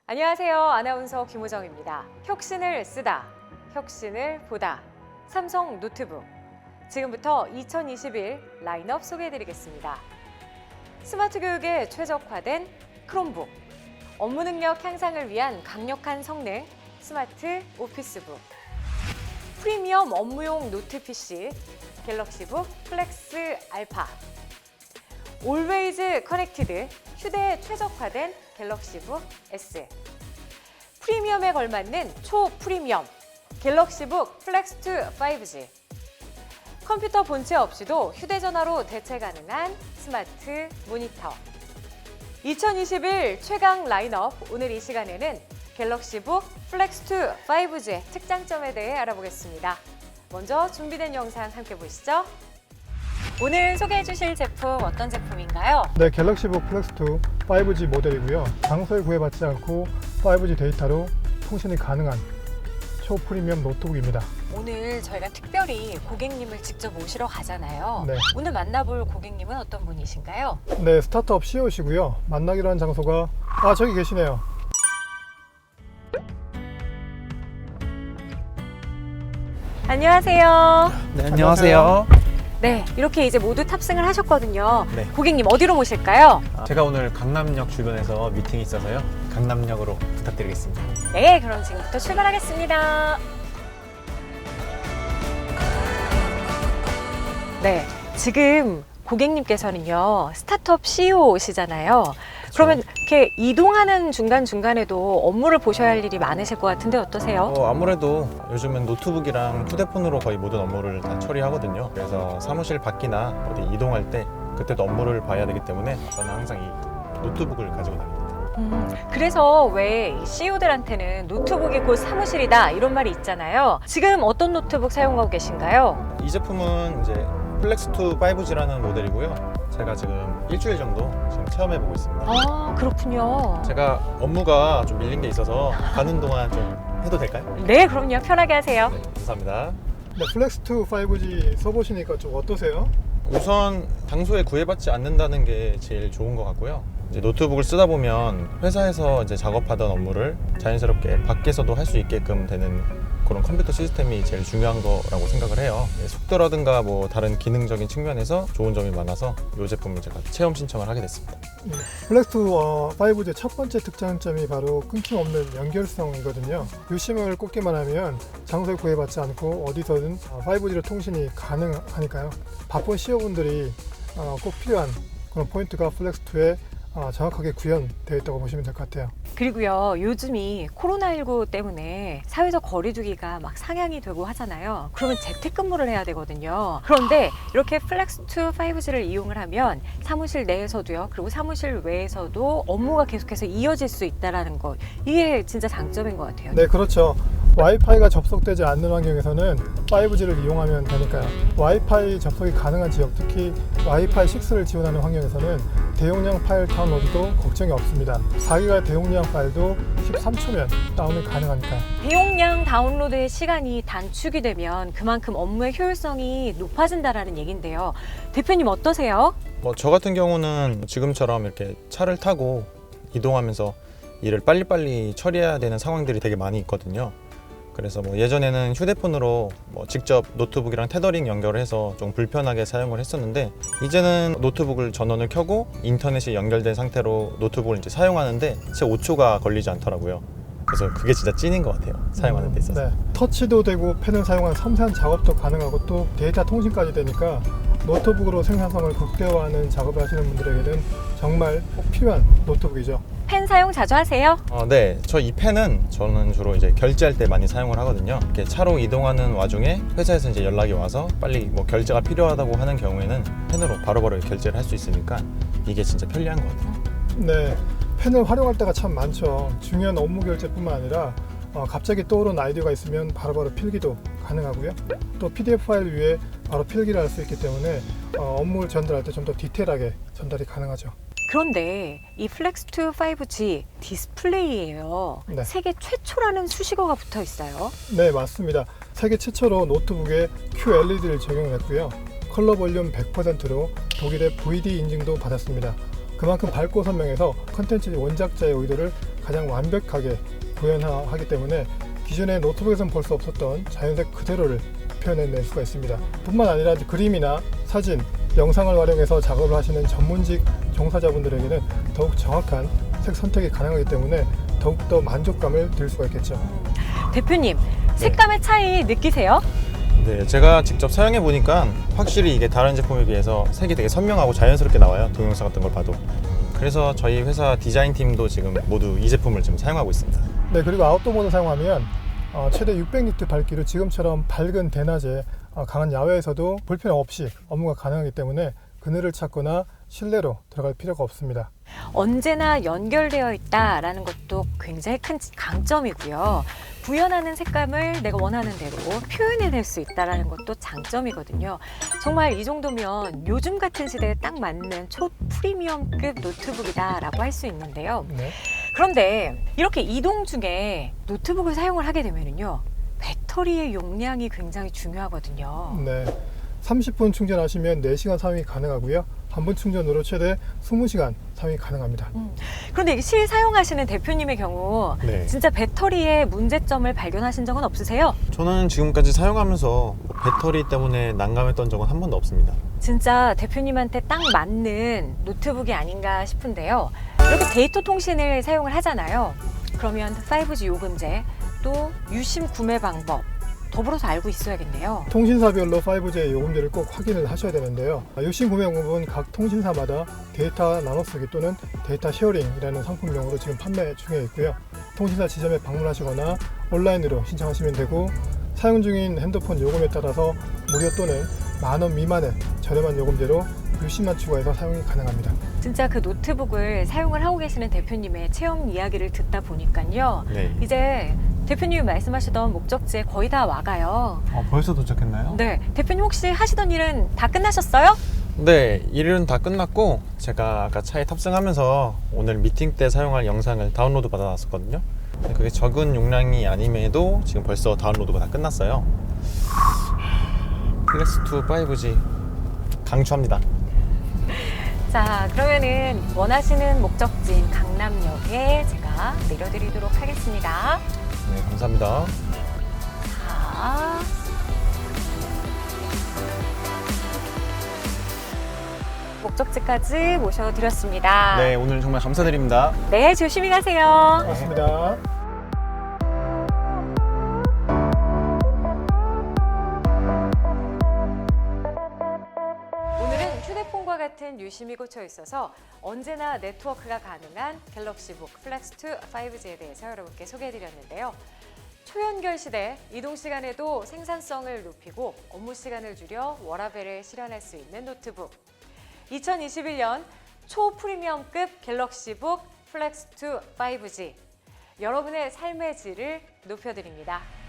안녕하세요. 아나운서 김호정입니다. 혁신을 쓰다, 혁신을 보다. 삼성 노트북. 지금부터 2021 라인업 소개해드리겠습니다. 스마트 교육에 최적화된 크롬북. 업무 능력 향상을 위한 강력한 성능, 스마트 오피스북. 프리미엄 업무용 노트 PC, 갤럭시북 플렉스 알파. 올웨이즈 커넥티드, 휴대에 최적화된 갤럭시북 S. 프리미엄에 걸맞는 초프리미엄, 갤럭시북 플렉스2 5G. 컴퓨터 본체 없이도 휴대전화로 대체 가능한 스마트 모니터. 2021 최강 라인업, 오늘 이 시간에는 갤럭시북 플렉스2 5G의 특장점에 대해 알아보겠습니다. 먼저 준비된 영상 함께 보시죠. 오늘 소개해 주실 제품 어떤 제품인가요? 네, 갤럭시북 플렉스2 5G 모델이고요. 장소에 구애받지 않고 5G 데이터로 통신이 가능한 초프리미엄 노트북입니다. 오늘 저희가 특별히 고객님을 직접 모시러 가잖아요. 네. 오늘 만나볼 고객님은 어떤 분이신가요? 네, 스타트업 CEO시고요. 만나기로 한 장소가 저기 계시네요. 안녕하세요. 네, 안녕하세요. 네, 이렇게 이제 모두 탑승을 하셨거든요. 네. 고객님 어디로 모실까요? 제가 오늘 강남역 주변에서 미팅이 있어서요. 강남역으로 부탁드리겠습니다. 네, 그럼 지금부터 출발하겠습니다. 네, 지금 고객님께서는요, 스타트업 CEO시잖아요. 그러면 이렇게 이동하는 중간중간에도 업무를 보셔야 할 일이 많으실 것 같은데 어떠세요? 아무래도 요즘은 노트북이랑 휴대폰으로 거의 모든 업무를 다 처리하거든요. 그래서 사무실 밖이나 어디 이동할 때 그때도 업무를 봐야 되기 때문에 저는 항상 이 노트북을 가지고 다닙니다. 그래서 왜 CEO들한테는 노트북이 곧 사무실이다 이런 말이 있잖아요. 지금 어떤 노트북 사용하고 계신가요? 이 제품은 이제 플렉스2 5G라는 모델이고요. 제가 지금 일주일 정도 지금 체험해보고 있습니다. 아, 그렇군요. 제가 업무가 좀 밀린 게 있어서 가는 동안 좀 해도 될까요? 네, 그럼요. 편하게 하세요. 네, 감사합니다. 네, 플렉스2 5G 써보시니까 좀 어떠세요? 우선 장소에 구애받지 않는다는 게 제일 좋은 것 같고요. 이제 노트북을 쓰다 보면 회사에서 이제 작업하던 업무를 자연스럽게 밖에서도 할 수 있게끔 되는 그런 컴퓨터 시스템이 제일 중요한 거라고 생각을 해요. 속도라든가 뭐 다른 기능적인 측면에서 좋은 점이 많아서 이 제품을 제가 체험 신청을 하게 됐습니다. 네, 플렉스2 5G의 첫 번째 특장점이 바로 끊김없는 연결성이거든요. 유심을 꽂기만 하면 장소에 구애받지 않고 어디서든 5G로 통신이 가능하니까요. 바쁜 CEO분들이 꼭 필요한 그런 포인트가 플렉스2에 정확하게 구현되어 있다고 보시면 될 것 같아요. 그리고요, 요즘이 코로나19 때문에 사회적 거리두기가 막 상향이 되고 하잖아요. 그러면 재택근무를 해야 되거든요. 그런데 이렇게 플렉스2 5G를 이용을 하면 사무실 내에서도요, 그리고 사무실 외에서도 업무가 계속해서 이어질 수 있다는 거, 이게 진짜 장점인 것 같아요. 네, 그렇죠. 와이파이가 접속되지 않는 환경에서는 5G를 이용하면 되니까요. 와이파이 접속이 가능한 지역, 특히 와이파이 6를 지원하는 환경에서는 대용량 파일 다운로드도 걱정이 없습니다. 4기가 대용량 파일도 13초면 다운이 가능하니까요. 대용량 다운로드의 시간이 단축이 되면 그만큼 업무의 효율성이 높아진다는 얘기인데요. 대표님 어떠세요? 저 같은 경우는 지금처럼 이렇게 차를 타고 이동하면서 일을 빨리빨리 처리해야 되는 상황들이 되게 많이 있거든요. 그래서 예전에는 휴대폰으로 직접 노트북이랑 테더링 연결을 해서 좀 불편하게 사용을 했었는데, 이제는 노트북을 전원을 켜고 인터넷이 연결된 상태로 노트북을 이제 사용하는데 채 5초가 걸리지 않더라고요. 그래서 그게 진짜 찐인 것 같아요, 사용하는 데 있어서. 네, 터치도 되고 펜을 사용한 섬세한 작업도 가능하고 또 데이터 통신까지 되니까 노트북으로 생산성을 극대화하는 작업을 하시는 분들에게는 정말 꼭 필요한 노트북이죠. 펜 사용 자주 하세요? 네, 저 이 펜은 저는 주로 이제 결제할 때 많이 사용을 하거든요. 이렇게 차로 이동하는 와중에 회사에서 이제 연락이 와서 빨리 결제가 필요하다고 하는 경우에는 펜으로 바로바로 결제를 할 수 있으니까 이게 진짜 편리한 것 같아요. 네, 펜을 활용할 때가 참 많죠. 중요한 업무 결제뿐만 아니라 갑자기 떠오른 아이디어가 있으면 바로바로 필기도 가능하고요. 또 PDF 파일 위에 바로 필기를 할 수 있기 때문에 업무를 전달할 때 좀 더 디테일하게 전달이 가능하죠. 그런데 이 플렉스2 5G 디스플레이예요. 네. 세계 최초라는 수식어가 붙어 있어요. 네, 맞습니다. 세계 최초로 노트북에 QLED를 적용했고요. 컬러 볼륨 100%로 독일의 VD 인증도 받았습니다. 그만큼 밝고 선명해서 컨텐츠 원작자의 의도를 가장 완벽하게 구현하기 때문에 기존의 노트북에서는 볼 수 없었던 자연색 그대로를 표현해낼 수가 있습니다. 뿐만 아니라 그림이나 사진, 영상을 활용해서 작업을 하시는 전문직 종사자분들에게는 더욱 정확한 색 선택이 가능하기 때문에 더욱더 만족감을 들 수가 있겠죠. 대표님, 색감의 차이 느끼세요? 네, 제가 직접 사용해 보니까 확실히 이게 다른 제품에 비해서 색이 되게 선명하고 자연스럽게 나와요. 동영상 같은 걸 봐도. 그래서 저희 회사 디자인 팀도 지금 모두 이 제품을 지금 사용하고 있습니다. 네, 그리고 아웃도어 모드 사용하면 최대 600니트 밝기로 지금처럼 밝은 대낮에 강한 야외에서도 불편 없이 업무가 가능하기 때문에 그늘을 찾거나 실내로 들어갈 필요가 없습니다. 언제나 연결되어 있다라는 것도 굉장히 큰 강점이고요. 구현하는 색감을 내가 원하는 대로 표현해낼 수 있다는 것도 장점이거든요. 정말 이 정도면 요즘 같은 시대에 딱 맞는 초프리미엄급 노트북이다라고 할 수 있는데요. 네. 그런데 이렇게 이동 중에 노트북을 사용을 하게 되면요, 배터리의 용량이 굉장히 중요하거든요. 네. 30분 충전하시면 4시간 사용이 가능하고요. 한 번 충전으로 최대 20시간 사용이 가능합니다. 그런데 실 사용하시는 대표님의 경우 네. 진짜 배터리에 문제점을 발견하신 적은 없으세요? 저는 지금까지 사용하면서 배터리 때문에 난감했던 적은 한 번도 없습니다. 진짜 대표님한테 딱 맞는 노트북이 아닌가 싶은데요. 이렇게 데이터 통신을 사용을 하잖아요. 그러면 5G 요금제, 또 유심 구매 방법, 더불어서 알고 있어야겠네요. 통신사별로 5G 요금제를 꼭 확인을 하셔야 되는데요. 유심 구매 방법은 각 통신사마다 데이터 나눠쓰기 또는 데이터 쉐어링이라는 상품명으로 지금 판매 중에 있고요. 통신사 지점에 방문하시거나 온라인으로 신청하시면 되고, 사용 중인 핸드폰 요금에 따라서 무료 또는 10,000원 미만의 저렴한 요금제로 유심만 추가해서 사용이 가능합니다. 진짜 그 노트북을 사용을 하고 계시는 대표님의 체험 이야기를 듣다 보니까요. 네. 이제 대표님이 말씀하시던 목적지에 거의 다 와가요. 벌써 도착했나요? 네, 대표님 혹시 하시던 일은 다 끝나셨어요? 네, 일은 다 끝났고 제가 아까 차에 탑승하면서 오늘 미팅 때 사용할 영상을 다운로드 받아놨었거든요. 그게 적은 용량이 아님에도 지금 벌써 다운로드가 다 끝났어요. 플렉스2 5G 강추합니다. 자, 그러면은 원하시는 목적지인 강남역에 제가 내려드리도록 하겠습니다. 네, 감사합니다. 자, 목적지까지 모셔드렸습니다. 네, 오늘 정말 감사드립니다. 네, 조심히 가세요. 고맙습니다. 오늘은 휴대폰과 같은 유심이 꽂혀 있어서 언제나 네트워크가 가능한 갤럭시북 플렉스2 5G에 대해서 여러분께 소개해드렸는데요. 초연결 시대, 이동 시간에도 생산성을 높이고 업무 시간을 줄여 워라밸을 실현할 수 있는 노트북. 2021년 초프리미엄급 갤럭시북 플렉스2 5G. 여러분의 삶의 질을 높여드립니다.